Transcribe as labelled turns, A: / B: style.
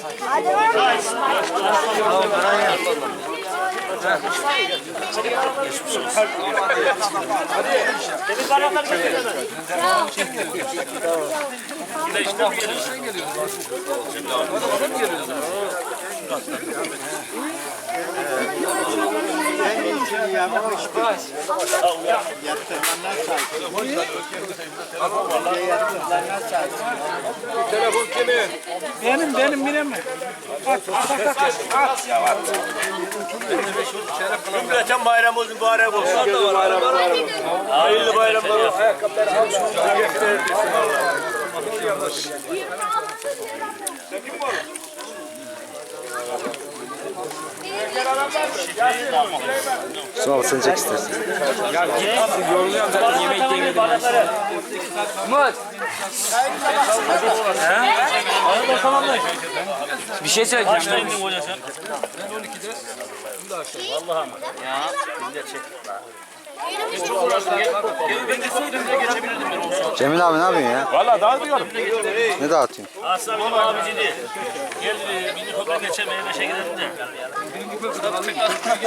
A: Telefon kimin?
B: Benim mi? At ya at.
C: Cümleten bayramımız mübarek olsun. Hayırlı bayramlar olsun.
A: Ayakkabıları al.
D: Sonra sen çek istersen.
B: Ya git yoruluyorum zaten yemek yemedim. Umut. Bir şey söyleyeceğim.
C: Kaçta indin hoca sen? Ben 12'de. Vallahi ya. Millet çek. Çok uğraştım. Ben gitseydim de geçebilirdim ben olsa.
D: Cemil abi ne yapıyorsun ya?
A: Valla dağıtıyorum.
D: Ne dağıtıyorsun?
C: Aslan benim abiciydi. Gel birinci köprü geçemeye meşe gidelim de.